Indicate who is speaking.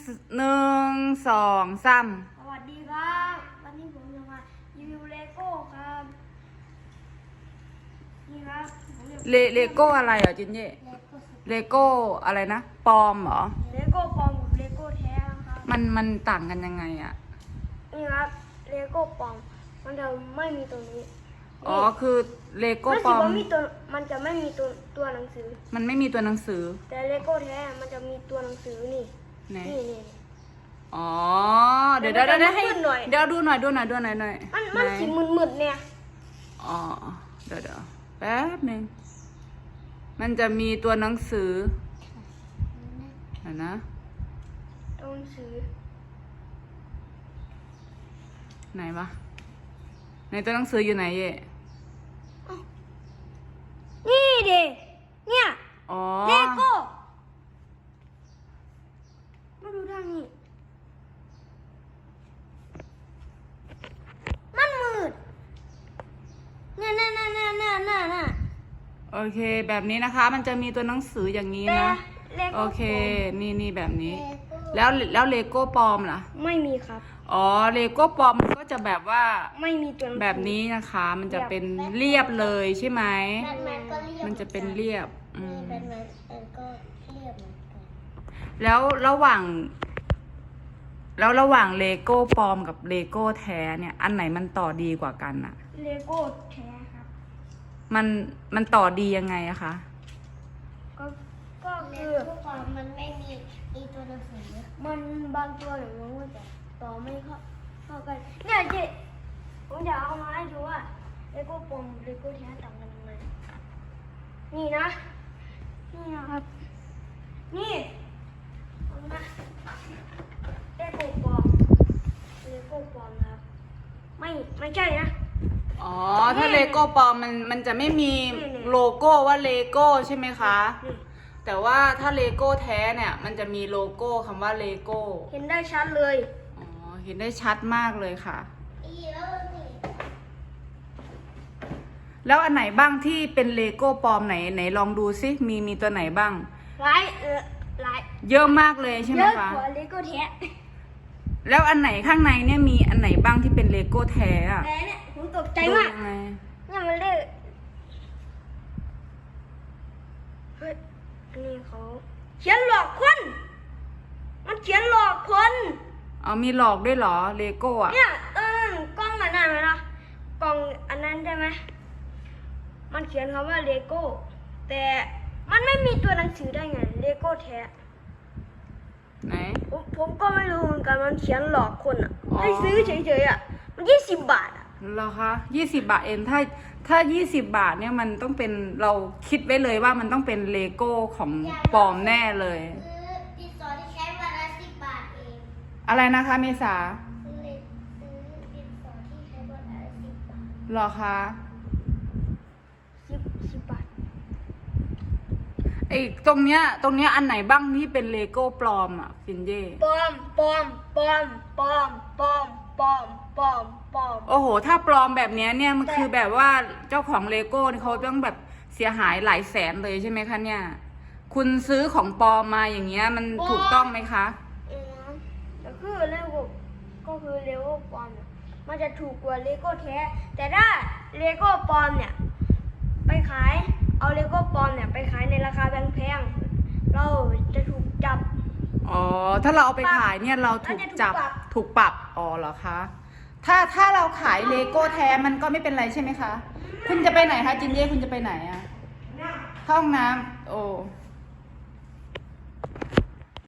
Speaker 1: 1 2 3
Speaker 2: สวัสดีครับวันนี้ผมจะมารีวิวเลโก้ครับนี่ครับผมจะ
Speaker 1: เลโก้อะไรเหรอจินเย่เลโก้อะไรนะปลอมเหรอ
Speaker 2: เลโก้ปลอมกับเลโก้แท้ครับ
Speaker 1: มันต่างกันยังไงอ่ะ
Speaker 2: นี่ครับเลโก้ปลอมมันจะไม่มีตัวนี้
Speaker 1: อ๋อคือเลโก้
Speaker 2: มัน
Speaker 1: ปลอม
Speaker 2: มันจะไม่มีตัวหนังสือ
Speaker 1: มันไม่มีตัวหนังสือ
Speaker 2: แต่เลโก้แท้มันจะมีตัวหนังสือนี่
Speaker 1: ไหน
Speaker 2: นี่
Speaker 1: อ๋อเดี๋ยวให้
Speaker 2: มันจะมืดๆหน่อย
Speaker 1: เดี๋ยวดูหน่อยหน่อย
Speaker 2: มัน
Speaker 1: ไห
Speaker 2: สีมึนๆเนี่ย
Speaker 1: อ๋อเดี๋ยวแป๊บหนึ่งมันจะมีตัวหนังสือเห็นนะ
Speaker 2: ตัวหนังสือ
Speaker 1: ไหนวะในตัวหนังสืออยู่ไหนเย่
Speaker 2: นี่ดิเนี่ย
Speaker 1: อ๋อ
Speaker 2: เลโก้มาดูทางนี้มันมืดน่ะ
Speaker 1: โอเคแบบนี้นะคะ มันจะมีตัวหนังสืออย่างนี้
Speaker 2: แต่
Speaker 1: นะ
Speaker 2: เลโก้
Speaker 1: โอเคนี่แบบนี้ แล้วเลโก้ปลอมล่ะ
Speaker 2: ไม่มีครับ
Speaker 1: อ๋อเลโก้ปลอมมันก็จะแบบว่า
Speaker 2: ไม่มีตัวหนังสือ
Speaker 1: แบบนี้นะคะ มันจะเป็นเรียบเลยใช่ไหม
Speaker 3: แบทแมนก็เรียบ
Speaker 1: มันจะเป็นเรียบ
Speaker 3: นี่แบทแมนก็เรียบเหมือนกัน
Speaker 1: แล้วระหว่างเลโก้ปลอมกับเลโก้แท้เนี่ย อันไหนมันต่อดีกว่ากันอะ
Speaker 2: เลโก้แท้ครับ
Speaker 1: มันต่อดียังไงอะคะ
Speaker 2: ก็
Speaker 3: เล
Speaker 2: คือ
Speaker 3: โก้ความมันไม่มีตัวหนังสือ
Speaker 2: มันบางตัวอย่างมันก็จะต่อไม่เข้ากันเนี่ยเจ๊ผมจะเอามาให้ดูว่าเลโก้ปลอมเลโก้แท้ต่างกันยังไงนี่นะครับ นี่เอามาเลโก้ปลอมนะครับไม่ใช่นะ
Speaker 1: อ๋อถ้าเลโก้ปลอมมันจะไม่มีโลโก้ว่าเลโก้ใช่ไหมคะ
Speaker 2: นี่
Speaker 1: แต่ว่าถ้าเลโก้แท้เนี่ยมันจะมีโลโก้คำว่าเลโก้
Speaker 2: เห็นได้ชัดเลย
Speaker 1: อ๋อเห็นได้ชัดมากเลยค่ะ
Speaker 3: แล้วนี่
Speaker 1: แล้วอันไหนบ้างที่เป็นเลโก้ปลอมไหนลองดูซิมีตัวไหนบ้าง
Speaker 2: หลาย
Speaker 1: เยอะมากเลยใช่ไหม
Speaker 2: เยอะ
Speaker 1: คะ
Speaker 2: กว่าเลโก้แท้
Speaker 1: แล้วอันไหนข้างในเนี่ยมีอันไหนบ้างที่เป็นเลโก้แท้อะ
Speaker 2: แต่เนี่ยผมตกใจ
Speaker 1: ดู
Speaker 2: มาก
Speaker 1: ยังไง
Speaker 2: เนี่ยมันเลขเฮ้ยอันนี้เขาเขียนหลอกคนมันเขียนหลอกคน
Speaker 1: เอามีหลอกด้วยเหรอเลโก้อะ
Speaker 2: เนี่ยกล้องอันนั้นไหมล่ะกล้องอันนั้นใช่ไหมมันเขียนคำว่าเลโก้แต่มันไม่มีตัวหนังสือได้ไงเลโก้แท้
Speaker 1: ไหน
Speaker 2: ผมก็ไม่รู้เหมือนกันมันเขียนหลอกคนอ่ะ
Speaker 1: อ๋อ
Speaker 2: ให้ซื้อเฉยๆอ่ะมัน20 บาทอ่ะ
Speaker 1: เหรอคะ20 บาทเองถ้า20 บาทเนี่ยมันต้องเป็นเราคิดไว้เลยว่ามันต้องเป็นเลโก้ของปลอมแน่เลย
Speaker 3: ซื้อดินสอที่ใช้วันละ10 บาทเอง
Speaker 1: อะไรนะคะเมษา
Speaker 3: ซื้อดินสอที่ใช้วันละ10 บาท
Speaker 1: เหรอคะ
Speaker 2: 10 บาท
Speaker 1: ไอ้ตรงเนี้ยอันไหนบ้างที่เป็นเลโก้ปลอมอ่ะฟินเย่
Speaker 2: ปลอม
Speaker 1: โอ้โหถ้าปลอมแบบเนี้ยเนี่ยมันคือแบบว่าเจ้าของเลโก้เขาต้องแบบเสียหายหลายแสนเลยใช่ไหมคะเนี่ย คุณซื้อของปลอมมาอย่างเงี้ยมันถูกต้องไหมคะ
Speaker 2: แต่คือเลโก้ก็คือเลโก้ปลอมเนี่ยมันจะถูกกว่าเลโก้แท้แต่ถ้าเลโก้ปลอมเนี่ยไปขายเอาเลโก้ปลอมเนี่ยไปขายในราคาแพงๆเราจะถูกจับ
Speaker 1: อ๋อถ้าเราเอาไปขายเนี่ยเราถูกจับ
Speaker 2: น่าจะ
Speaker 1: ถูกปรับอ๋อเหรอคะถ้าเราขายเลโก้แท้มันก็ไม่เป็นไรใช่ไหมคะคุณจะไปไหนคะจินเย่คุณจะไปไหนอะเข้าห้องน้ำโอ้